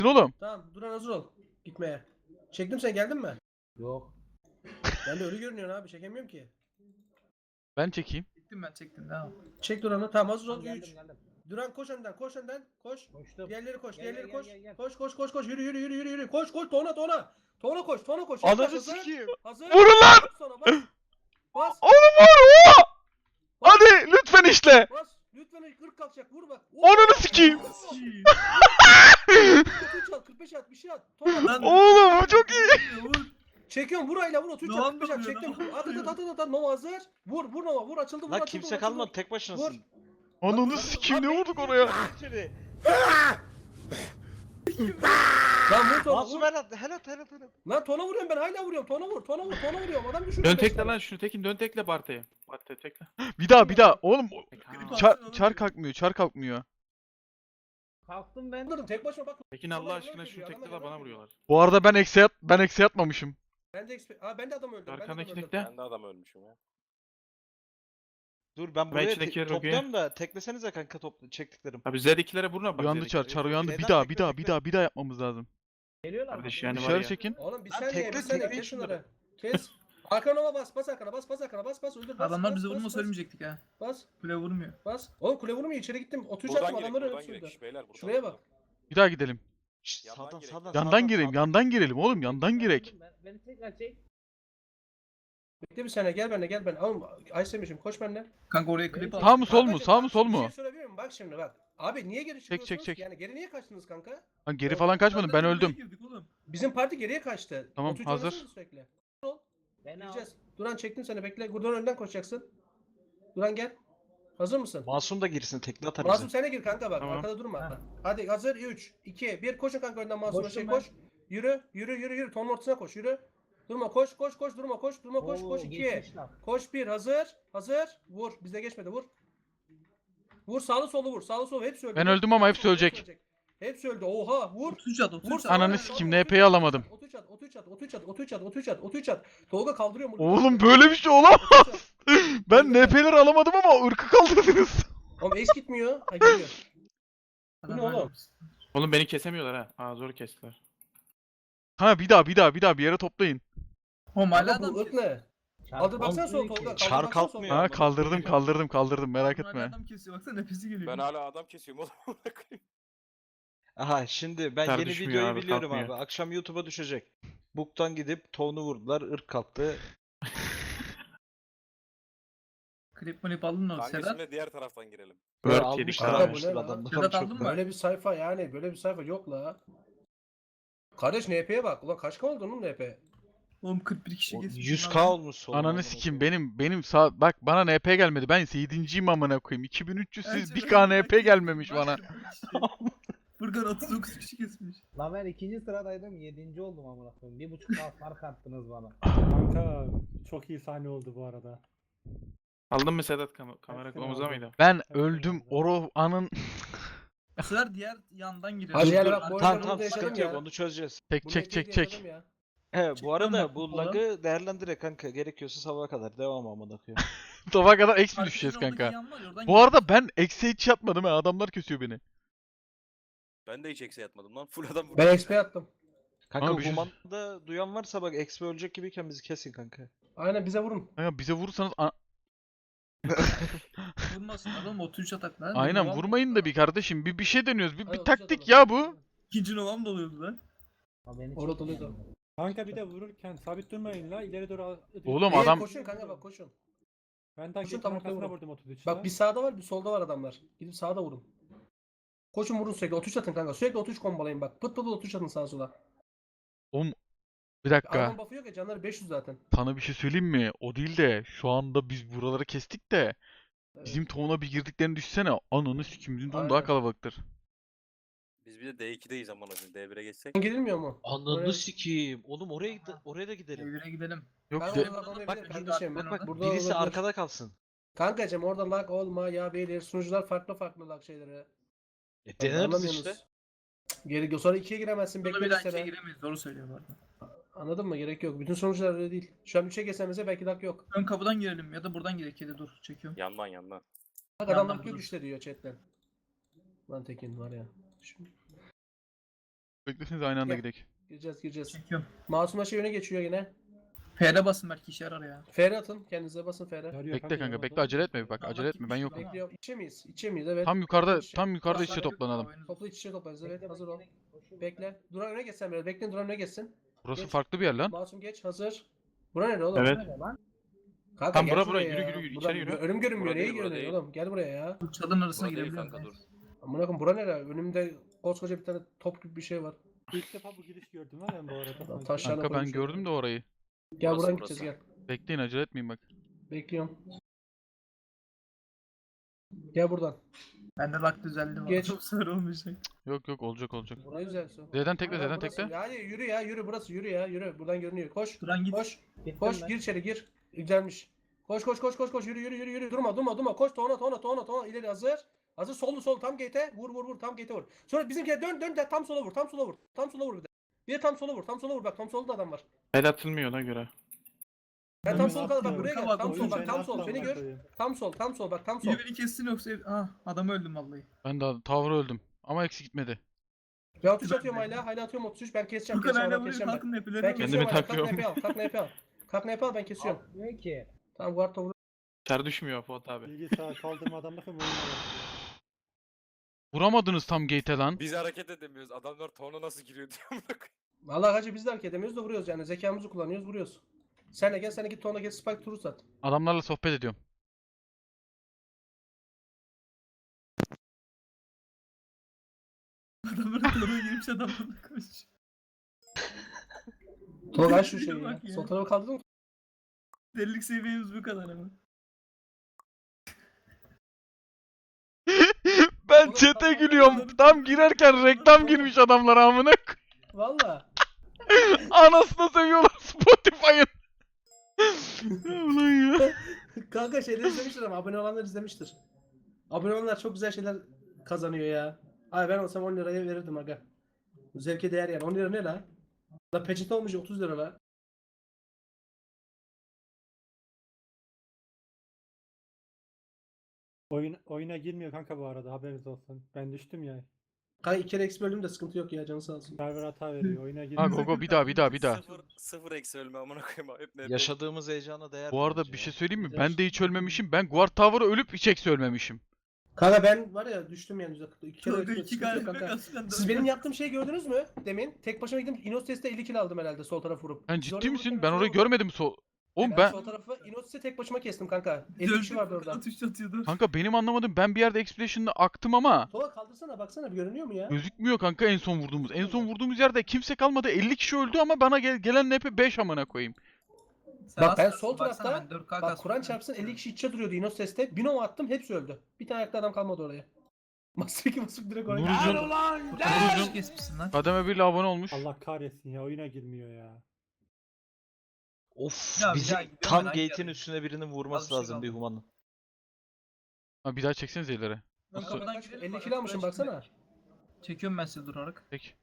Oğlum. Tamam Duran hazır ol gitmeye. Çektim sen geldin mi? Yok. Ben de ölü görünüyorsun abi çekemiyorum ki. Ben çekeyim. Çektim devam. Çek Duran'ı tamam hazır ol Geldim 3. geldim. Duran koş önden koş önden koş. Koştum. Diğerleri koş Gel, diğerleri gel, koş. gel, gel. Koş yürü yürü koş tona. Tona koş. Ananı Hazır. sikeyim. Hazır. Vurun lan! Bas sonra bas. Bas. Oğlum vur! Oo! Hadi lütfen işle. Bas. Lütfen 40 kalkacak vur bak. Ananı sikeyim. 33 at 45 at bir şey at. Tona. Oğlum bu çok iyi. Çekiyorum vur ayla vur 33 at Doğan 45 at da vuruyor, çektim. Doğan At Nova hazır. Vur Nova vur açıldı vur Lan açıldı. kimse vur, kalmadı açıldı. tek başınasın. Ananı sikeyim ne vurduk oraya? İçeri. Lan vur Tona Masum vur. helal. Lan Tona vuruyorum ben hala vuruyorum. Tona vuruyorum. Adam düşürüyor. Dön beş tekle tane. lan şunu tekin dön tekle Barta'ya. Barta'ya tekle. Bir daha. Oğlum Çar çar kalkmıyor. Kalktım ben. Anladım tek başıma bak. Tekin Adamlar Allah aşkına yalan şunu söylüyor, tekle adamlar la bana yalan vuruyorlar. Bu arada ben eksi atmamışım. Ben de adam öldüm. Arkandaki öldüm. tekle. Ben de adam ölmüşüm ya. Dur ben buraya içindeki yere topluyorum da teklesenize kanka çektiklerim. Abi Z2'lere vurma bak. Uyandı Z2'lere. çar uyandı. Neden Bir daha yapmamız lazım. Geliyorlar. Kardeş mı? yani var Dışarı ya. çekin. Oğlum bir Lan saniye tekle, bir saniye tekle kes şunları. şunları. Kes. Arkana bas arkana bas öldür bas. Adamlar bas, bize bas, vurma bas, söylemeyecektik ha. Bas Kule vurmuyor. bas. Oğlum kule vurmuyor içeri gittim. 33 Buradan attım girek, adamları buradan öldürdü. girek. Beyler buradan. Şuraya bak. Bir daha gidelim. Şşt, Yandan sağdan girek. sağdan. Yandan girelim. Yandan girelim oğlum. Yandan girek. Beni tekrar çek. Bekle bir saniye gel benimle gel ben. Oğlum Aysemiş'im koş benimle. Kanka oraya klip al. Sağ mı sol mu? Arkadaşlar, Sağ mı bak sol şimdi Bir mu? şey söyleyebilir miyim? Bak şimdi bak. Abi niye geri çıkıyorsunuz? çek. Yani geri niye kaçtınız kanka? Lan geri falan kaçmadım ben öldüm. Bizim parti geriye kaçtı. Tamam, 33 hazır. oynasana Sürekli. Beni al. Gireceğiz. Duran çektim seni bekle. Duran önden koşacaksın. Duran gel. Hazır mısın? Masum da girsin tekle atar Masum bize. sen de gir kanka bak. Tamam. Arkada durma. Ha. Hadi hazır 3 2 1 koşun kanka önden Masum'a Koştum şey ben. koş. Yürü. Tonun ortasına koş. Yürü. Durma koş durma koş 2. geçmişler. Koş 1 hazır. Vur. Bizde geçmedi vur. Vur sağlı solu hepsi öldü. Ben öldüm ama hepsi ölecek. Hepsi öldü. Oha vur. 33 at Vur 33 sağlı, Ananı sağlı, sikeyim, sağlı, NP'yi alamadım. 33 at. Tolga kaldırıyor mu? Oğlum böyle bir şey olamaz. Ben NP'leri alamadım ama ırkı kaldırdınız. Oğlum ace gitmiyor. Ha gidiyor. Bu ne Adam oğlum? Oğlum beni kesemiyorlar ha. Aa zor kestiler. Ha bir daha bir yere toplayın. Oğlum hala Kanka adam bu ırk ne? Kaldır baksana sol Kalkmıyor Tolga. ki. Çar Kaldır baksana sol. kalkmıyor. Ha Ama kaldırdım merak Hala etme. adam kesiyor baksana nefesi geliyor. Ben hala adam kesiyorum oğlum. Aha şimdi ben Çar yeni düşmüyor videoyu abi, biliyorum kalkmıyor. abi. Akşam YouTube'a düşecek. Buk'tan gidip Town'u vurdular. Irk kalktı. Klip malip aldın mı? Kanka Sedat. şimdi diğer taraftan girelim. Böyle Word almışlar yedik abi. almışlar Bu ne lan? adamlar. Sedat Çok aldın mı? var. Böyle bir sayfa yani böyle bir sayfa yok la. Kardeş NP'ye bak. Ulan kaç oldu onun NP? Oğlum 41 kişi O kesmiş. 100k olmuş solun. Ananı sikeyim benim sağ bak bana NP gelmedi. Ben 7.'yim amına koyayım. 2300 siz Bence 1k ben- NP gelmemiş bana. Furkan 39 kişi kesmiş. Lan ben 2. sıradaydım 7. oldum amına koyayım. 1.5 saat fark attınız bana. Kanka çok iyi sahne oldu bu arada. Aldın mı Sedat kamera Hepsini kulağımıza aldım. mıydı? Ben Hepsini öldüm. aldım. Oro anın Bu sefer diğer yandan girelim. Hadi yani Dur, bak bu tamam oyunda tamam bunu yaşadım sıkıntı yok ya. onu çözeceğiz. çek Bu çek NP'yi çek çek. yaşadım ya. He bu Çıkmam arada ben bu kutudan. lag'ı değerlendirek kanka. Gerekiyorsa sabaha kadar devam amına koyayım. Sabaha kadar eksi Arkadaşın düşeceğiz oradaki kanka. yan var ya, oradan Bu girelim. arada ben eksi hiç yatmadım ha. Adamlar kesiyor beni. Ben de hiç eksi yatmadım lan. Full adam vurdu. Ben XP attım. Kanka Ama bir şey- Human'da duyan varsa bak XP ölecek gibiyken bizi kesin kanka. Aynen bize vurun. Kanka bize vurursanız Vurmasın adam 33 atak lan. aynen Novam- vurmayın da bir kardeşim. Bir şey deniyoruz. Bir Hadi, taktik otuz atalım. ya bu. İkinci novam doluyordu lan. Ha, beni Orada çekti doluyordu. yani. Kanka bir de vururken sabit durmayın la ileri doğru. Oğlum, İyi, adam- koşun kanka bak koşun. Ben daha koşun, geçen tam arkasına ortaya vurdum 33. Bak bir sağda var bir solda var adamlar. Gidip sağda vurun. Koşun vurun sürekli 33 atın kanka. Sürekli 33 kombalayın bak. Pıt 33 atın sağa sola. Bir dakika. Arman buff'ı yok ya canları 500 zaten. Sana bir şey söyleyeyim mi? O değil de şu anda biz buraları kestik de Evet. bizim tohumuna bir girdiklerini düşsene. Ananı sikim bizim tohum daha Aynen. kalabalıktır. Biz bir de D2'deyiz amına koyayım. D1'e geçsek. Girilmiyor mu? Ananı Oraya- sikeyim. Oğlum oraya da gidelim. Evine gidelim. Yok Ben de- orada lag olmayabilir Bak, kardeşim. bak, bak, Burada Birisi olabilir. arkada kalsın. Kankacım orada lag olma ya beyler. Sunucular farklı lag şeyleri. Deneriz Anlamıyorsunuz. işte. Gerek yok. Sonra 2'ye giremezsin. Burada bir Bekleriz daha ikiye seni. giremeyiz. Doğru söylüyor bu arada. Anladın mı? Gerek yok. Bütün sonuçlar öyle değil. Şu an 3'e geçsenize belki lag yok. Ön kapıdan girelim ya da buradan girelim. Kedi dur çekiyorum. Yandan. Bak Yandan adamlar yok dur. işte diyor chatten. Lan Tekin var ya. Şimdi. Bekleseniz aynı anda Gel. gidelim. Gireceğiz. Çekiyorum. Masumlaşa yöne geçiyor yine. F'de basın belki işe yarar ya. FR atın. Kendinize basın FR. Yarıyor Bekle kanka yaramadı. bekle, acele etme bir bak, Allah acele etme, ben gitmiş yokum. ama. Bekliyorum. İçe miyiz? İçe miyiz? Evet. Tam yukarıda İçe. tam yukarıda içe Basar yok, toplanalım. oyunuz. Toplu iç içe toplarız. Evet hazır ol. Bekle. Duran öne geçsen biraz. Bekleyin Duran öne geçsin. Burası Geç. farklı bir yer lan. Masum geç. Hazır. Bura nerede oğlum? Evet. Nerede lan? Kanka Tam gel bura, şuraya yürü, ya. yürü, Buradan içeri yürü. Önüm görünmüyor. Bura Neye değil, bura görünüyor değil. oğlum? Gel buraya ya. Bu çalın arasına Burada değil girebilirim. kanka dur. Amına koyayım bura nere? Önümde koskoca bir tane top gibi bir şey var. İlk defa bu giriş gördüm lan ben bu arada. Taşlarla Kanka ben koymuşlar. gördüm de orayı. Gel Burası, buradan burası. gideceğiz gel. Bekleyin, acele etmeyin bak. Bekliyorum. Gel buradan. Bende lak düzeldi var. Geç. Çok sarı olmayacak. Yok yok, olacak olacak. Ne güzel su. Z'den tekle, Buradan Z'den burası. tekle. Yani yürü ya yürü burası yürü ya yürü. Buradan görünüyor. Koş. Duran git. Koş. Gittim Koş ben. gir içeri gir. Güzelmiş. Koş yürü. Durma. Koş tona ileri hazır. Hazır sol tam gate'e vur tam gate'e vur. Sonra bizimkiler dön de tam sola vur. Tam sola vur bir de. Bir de tam sola vur bak tam solda adam var. El atılmıyor ona göre. Ben tam Oyun sola bak atmıyor. buraya gel. Bak, Tam oyun sol bak seni tam sol atmıyor, beni gör. koyayım. Tam sol bak tam sol. Biri beni kessin yoksa adamı öldüm vallahi. Ben daha tavra öldüm. Ama eksi gitmedi. Ya 33 atıyorum hala atıyorum 33 ben keseceğim Furkan hala adam vuruyor keseceğim bak. kalkın nepeleri Ben var. kesiyorum Kendimi hala kalk takıyorum. NP al. Kalk NP al ben kesiyorum. Atmıyor ki. Tamam guard vur. Çar düşmüyor Fuat abi. Bilgisayar kaldırma adamlık mı oyuna bak. Vuramadınız tam gate'e lan. Biz hareket edemiyoruz. Adamlar tona nasıl giriyor diye amına koyayım. Vallahi hacı biz de hareket edemiyoruz da vuruyoruz yani zekamızı kullanıyoruz vuruyoruz. Sen de gel sen de git tonla gel spike turu sat. Adamlarla sohbet ediyorum. Adamların toruna girmiş adamlarla koş. Tolga aç şu şeyi Bak ya. ya. Sol tarafa kaldırdın mı? Delilik seviyemiz bu kadar ama. Ben Oğlum, chat'e tamam, gülüyorum. tamam. Tam girerken reklam girmiş adamlar amına. Valla. Anasını seviyorlar Spotify'ın. Ulan ya. Kanka şeyleri izlemiştir ama abone olanlar izlemiştir. Abone olanlar çok güzel şeyler kazanıyor ya. Ay ben olsam 10 liraya verirdim aga. Zevke değer yani 10 lira ne la? La peçete olmuş 30 lira la. Oyuna girmiyor kanka bu arada haberiniz olsun. Ben düştüm ya. Kanka 2 kere eksi böldüm de sıkıntı yok ya canı sağ olsun. Server hata veriyor. Oyuna Ha girmiyor. Gogo bir daha. Sıfır eksi ölme amına koyayım. Hep ne? Yaşadığımız heyecana değer. Bu arada bence bir ya. şey söyleyeyim mi? Ben de hiç ölmemişim. Ben Guard Tower'a ölüp hiç eksi ölmemişim. Kanka ben var ya düştüm yani %40. 2 kere Kanka eksi iki sıkıntı yok kalbime kanka. kasken Siz benim yaptığım şeyi gördünüz mü demin? Tek başıma gittim Inostes'te 50 kill aldım herhalde sol taraf vurup. Sen Siz ciddi orayı misin? vururken Ben ben orayı vurdum. görmedim. Oğlum Ben ben sol tarafı Inostes'te tek başıma kestim kanka. 50 kişi vardı orada. Atış atıyordu. kanka benim anlamadım. Ben bir yerde Expedition'da aktım ama Sola kaldırsana baksana bir görünüyor mu ya? gözükmüyor kanka en son vurduğumuz. En son vurduğumuz yerde kimse kalmadı. 50 kişi öldü ama bana gelen NP 5 amına koyayım. Bak ben sol tarafta bak Kur'an Kur'an çarpsın 50 kişi içe duruyordu Inostes'te. Bir nova attım hepsi öldü. Bir tane ayakta adam kalmadı oraya. Master 2 basıp direkt oraya. Nurcan- Kur'an kesmişsin lan. Kademe 1 abone olmuş. Allah kahretsin ya oyuna girmiyor ya. Of Ya bir bizim daha gidiyorum tam ben, hangi gate'in yere? üstüne birinin Az vurması bir şey lazım bir kaldı. humanın. Ha bir daha çeksenize ileri. Ön Nasıl? kapıdan Kaç- girelim 50 bak, kilo almışım arkadaşlar. baksana. Çekiyorum ben sizi durarak. Peki.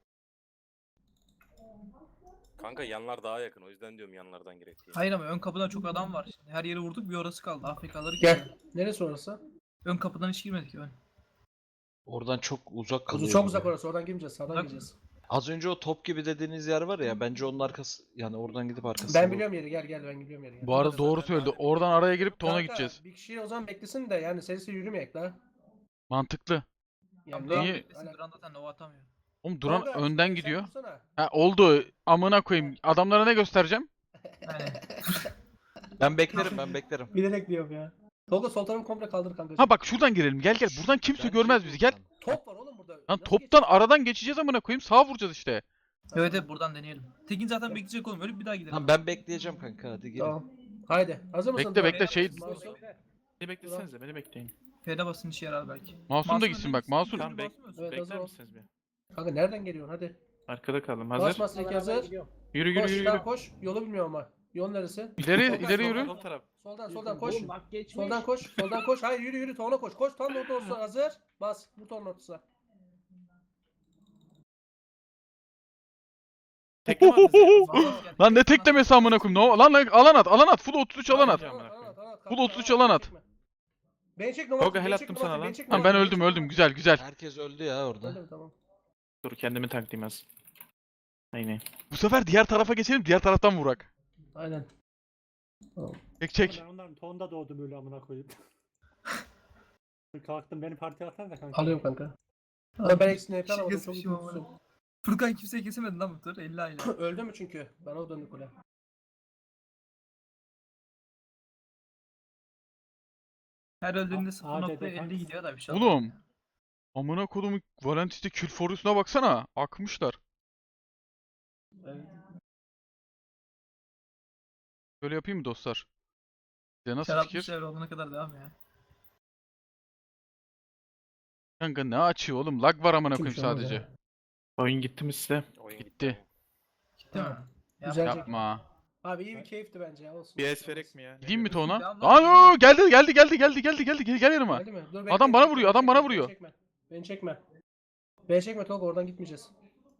Kanka yanlar daha yakın. O yüzden diyorum yanlardan gerek diye. Hayır ama ön kapıdan çok adam var. Şimdi her yeri vurduk bir orası kaldı. AFK'ları Gel. Neresi orası? Ön kapıdan hiç girmedik ön. Oradan çok uzak Kuzu kalıyor. çok bize. uzak orası. Oradan girmeyeceğiz. Sağdan Uzak gireceğiz. Az önce o top gibi dediğiniz yer var ya bence onun arkası yani oradan gidip arkasına. Ben biliyorum yeri. Gel ben biliyorum yeri. Gel. Bu arada doğru söyledi. Oradan araya girip tona Kanka, gideceğiz. Bir kişi o zaman beklesin de yani serisi yürümeyek la. Mantıklı. Yani Duran niye- beklesin, Duran zaten Nova atamıyor. Oğlum Duran Kanka, önden sen gidiyor. vursana. Ha oldu. Amına koyayım. Adamlara ne göstereceğim? Aynen. Ben beklerim. Bilerek diyorum ya. Tolga sol tarafı komple kaldır kanka. Ha bak şuradan girelim. Gel gel. Buradan kimse Bence görmez bizi. Gel. buradan. Top var oğlum burada. Lan Nasıl toptan geçeceğiz? aradan geçeceğiz amına koyayım. Sağa vuracağız işte. Evet buradan deneyelim. Tekin zaten bekleyecek oğlum. Ölüp bir daha gidelim. Tamam ben bekleyeceğim kanka hadi gelin. Tamam. Haydi. Hazır mısın? Bekle, Duran? bekle, şey- Masum. Beni beklesenize beni bekleyin. F'de basın işe yarar belki. Masum da gitsin bak. Masum. Tamam Evet, bekler hazır ol. misiniz bir? Kanka nereden geliyorsun hadi. Arkada kaldım. Bas Hazır. Master 2 hazır. Yürü Koş yürü daha yürü. koş. Yolu bilmiyorum ama. Yol neresi? İleri Soldan, ileri yürü. Sol taraf. Soldan koş. Oğlum bak geçmiş. Soldan koş. Soldan koş. Hayır yürü. Tona koş. Koş tam ortasına hazır. Bas. Bu ton ortasına. Tekleme at bize. Lan ne teklemesi amına koyayım. Lan alan at. Full 33 alan at. Full 33 alan at. Beni çek Tolga, hel attım sana lan. Lan ben öldüm. Güzel. Herkes öldü ya orada. Öldüm tamam. Dur kendimi taklayayım az. Aynen. Bu sefer diğer tarafa geçelim, diğer taraftan vurak. Aynen. Çek çek. Ben onların tonda doğdum öyle amına koyayım. Kalktım beni partiye atsan da kanka. Alıyorum kanka. Ama ben eksini hep alamadım. Çok Kesmişim ama. üzüldüm. Furkan kimseyi kesemedi lan bu tur. 50 aile. Öldü mü çünkü? Bana o döndü kule. Her öldüğünde ADD 0.50 kanka. gidiyor da bir şey Oğlum. Amına kodumun Valentis'te Killforus'una baksana. Akmışlar. Evet. Böyle yapayım mı dostlar? Size nasıl Şarap fikir? şeyler olana kadar devam ya. Kanka ne açıyor oğlum? Lag var amına koyayım Kimse olmaz sadece. ya. Oyun gitti mi size? Oyun Gitti. Değil mi? Güzel çek. Yapma. Abi iyi bir keyifti bence ya. Olsun. Bir es verek mi ya? Gideyim mi Devam Tona? lan, Lan geliyor. o geldi gel yanıma. Geldi mi? Dur, Adam bana vuruyor, adam bana vuruyor. Beni çekme. Beni çekme Tolga, oradan gitmeyeceğiz.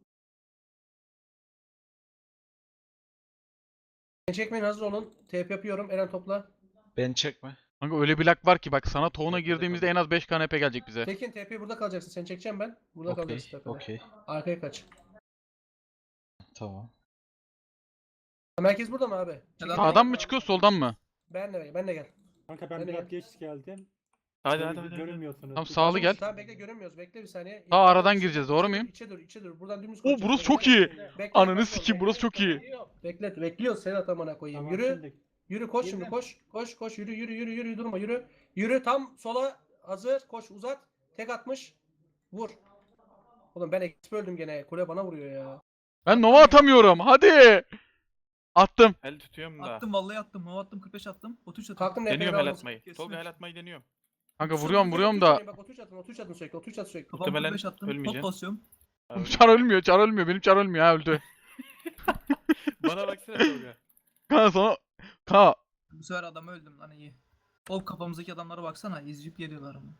Beni çekmeyin, hazır olun. TP yapıyorum. Eren topla. Ben çekme. Kanka öyle bir lag var ki bak sana Toğuna girdiğimizde en az 5 KNP gelecek bize. Tekin TP burada kalacaksın. Seni çekeceğim ben. Burada Okey. kalacaksın tepede. Okey. Arkaya kaç. Tamam. Merkez burada mı abi? Neden? Sağdan mı çıkıyor soldan mı? Ben de gel. Kanka ben Hadi biraz gel. geç geldim. Hadi hadi. Görünmüyorsunuz. Tamam, sağlı gel. Tamam bekle, görünmüyoruz. Bekle bir saniye. Sağ aradan gireceğiz, doğru muyum? İçe dur. Buradan dümdüz Oo koşacağız. burası çok iyi. Bekle, Ananı bekle, sikeyim, bekle, burası çok bekle. iyi. Bekliyoruz seni atamana koyayım. Tamam, Yürü. şimdi. Yürü koş şimdi, Girdim. koş yürü durma yürü. Yürü tam sola, hazır, koş uzat. Tek atmış. Vur. Oğlum ben eksip öldüm gene. Kule bana vuruyor ya. Ben Nova atamıyorum. Hadi. Attım. El tutuyorum da. Attım vallahi attım. Hava attım 45 attım. 33 attım. Kalktım NP'yi Deniyorum el aldım. atmayı. Kesin Tolga üç. el atmayı deniyorum. Kanka vuruyorum da. Bak 33 atın sürekli. 33 at sürekli. Kafam Muhtemelen 45 attım. Top ölmeyeceğim. basıyorum. Abi, Çar ölmüyor. Benim çar ölmüyor ha, öldü. Bana baksana Tolga. Kanka sana. Kanka. Bu sefer adamı öldüm lan iyi. O kafamızdaki adamlara baksana. İzcip geliyorlar ama.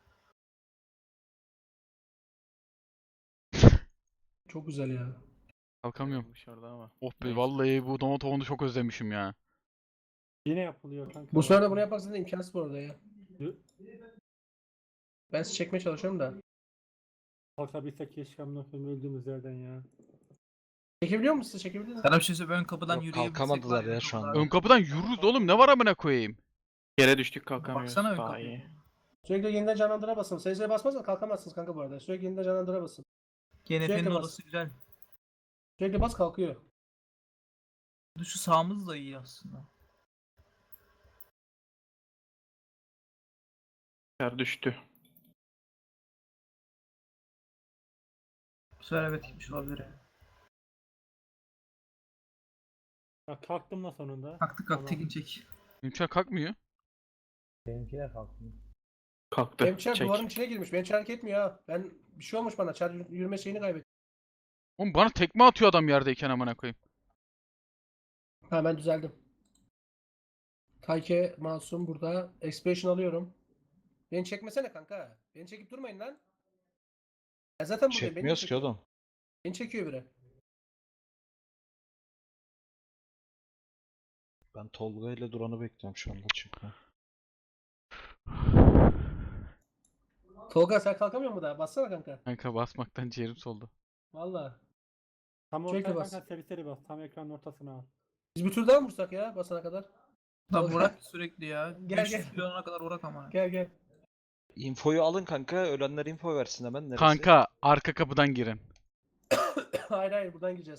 Çok güzel ya. Kalkamıyorum. Dışarıda ama. Oh be Neyse. vallahi bu Nova Toğunu çok özlemişim ya. Yine yapılıyor kanka. Bu sefer de bunu yapmak zaten imkansız bu arada ya. Yürü. Ben sizi çekmeye çalışıyorum da. Kalkabilsek keşke amına koyayım öldüğümüz yerden ya. Çekebiliyor musun siz? Çekebiliyor musun? Sana bir şey söyleyeyim. Ön kapıdan Yok, yürüyebilsek kalkamadılar var ya çok şu anda. rahat. Ön kapıdan yürürüz oğlum, ne var amına koyayım. Yere düştük kalkamıyoruz. Baksana ön Daha kapıya. iyi. Sürekli yeniden canlandıra basın. Sayısıya basmazsan kalkamazsınız kanka bu arada. Sürekli yeniden canlandıra basın. GNF'nin Sürekli bas. orası güzel. Sürekli bas kalkıyor. Şu sağımız da iyi aslında. Yer düştü. Bu sefer evet gitmiş olabilir. Ya kalktım da sonunda. Kalktık Tamam. Tekin çek. Benim çar kalkmıyor. Benimkiler kalkmıyor. Kalktı. Benim çar Çek. duvarın içine girmiş. Benim çar hareket etmiyor ha. Ben bir şey olmuş bana. Çar yürüme şeyini kaybettim. Oğlum bana tekme atıyor adam yerdeyken amına koyayım. Ha ben düzeldim. Tayke Masum burada. Expansion alıyorum. Beni çekmesene kanka. Beni çekip durmayın lan. Ben zaten buradayım. Beni Çekmiyoruz ki çekiyor. oğlum. Beni çekiyor biri. Ben Tolga ile Duran'ı bekliyorum şu anda çünkü. Tolga sen kalkamıyor mu daha? Bassana kanka. Kanka basmaktan ciğerim soldu. Valla. Tam Sürekli ortaya bas. kanka seri bas. Tam ekranın ortasına al. Biz bir tur daha mı vursak ya basana kadar? Lan Tolga. Burak sürekli ya. Gel, 500 gel. kilona kadar Burak ama. Gel. Infoyu alın kanka. Ölenler info versin hemen. Neresi? Kanka arka kapıdan girin. Hayır buradan gireceğiz.